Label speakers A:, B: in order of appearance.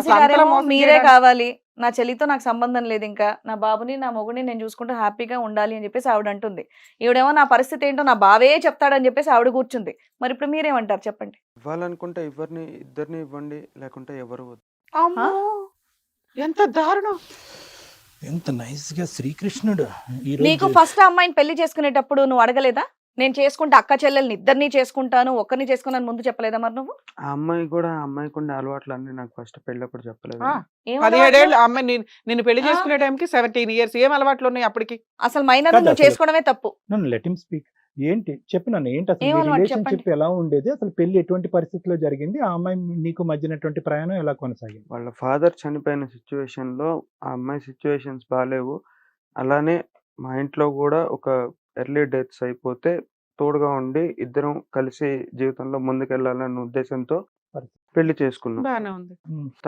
A: అసలు అంతలా
B: గారేమో
A: మోసం
B: మీరే
A: చేయడానికి
B: కావాలి, నా చెల్లితో నాకు సంబంధం లేదు, ఇంకా నా బాబుని నా మొగుడిని నేను చూసుకుంటూ హ్యాపీగా ఉండాలి అని చెప్పేసి ఆవిడ అంటుంది. ఈవిడేమో నా పరిస్థితి ఏంటో నా బావే చెప్తాడని చెప్పేసి ఆవిడ కూర్చుంది. మరి ఇప్పుడు మీరేమంటారు చెప్పండి?
C: ఇవ్వాలనుకుంటే ఇద్దరిని ఇవ్వండి, లేకుంటే ఎవరు వద్దు.
A: అమ్మో ఎంత దారుణం.
D: ఎంత నైస్ గా శ్రీకృష్ణుడు ఈ
B: నీకు
D: రోజు
B: ఫస్ట్ అమ్మాయిని పెళ్లి చేసుకునేటప్పుడు నువ్వు అడగలేదా? నేను చేసుకుంటే అక్క చెల్లెల్ని ఇద్దరిని చేసుకుంటాను, ఒక్కరిని చేసుకున్నాను ముందు చెప్పలేదా మరి నువ్వు?
C: ఆ అమ్మాయికి ఉండే అలవాట్లు అన్ని నాకు ఫస్ట్ పెళ్ళప్పుడు చెప్పలేదు.
A: ఆ,
B: ఏం
A: 17
B: అలవాట్లు?
A: ఏళ్ళు అమ్మాయి నిన్ను పెళ్లి
B: ఆ.
A: చేసుకునే టైంకి 17 ఇయర్స్ ఏం అలవాట్లు ఉన్నాయి అప్పటికి?
B: అసలు మైనర్
D: కాదు
B: నువ్వు
D: అసలు.
B: చేసుకోవడమే తప్పు.
D: నన్ను లెట్ హిమ్ స్పీక్. ఏంటి చెప్పు నన్ను, ఏంటి అసలు
B: ఏం
D: మీ
B: అలవాటు
D: రిలేషన్షిప్
B: చెప్పండి.
D: ఎలా ఉండేది, అసలు పెళ్లి ఎటువంటి పరిస్థితిలో జరిగింది, ఆ అమ్మాయి నీకు మధ్యనటువంటి ప్రయాణం ఎలా కొనసాగింది?
C: వాళ్ళ ఫాదర్ చనిపోయిన సిచ్యువేషన్ లో ఆ అమ్మాయి సిచ్యువేషన్స్ బాగాలేవు. అలానే మా ఇంట్లో కూడా ఒక ఎర్లీ డెత్స్ అయిపోతే తోడుగా ఉండి ఇద్దరం కలిసి జీవితంలో ముందుకెళ్ళాలన్న ఉద్దేశంతో పెళ్లి చేసుకున్నాం.
A: బానే ఉంది.
D: ఉమ్.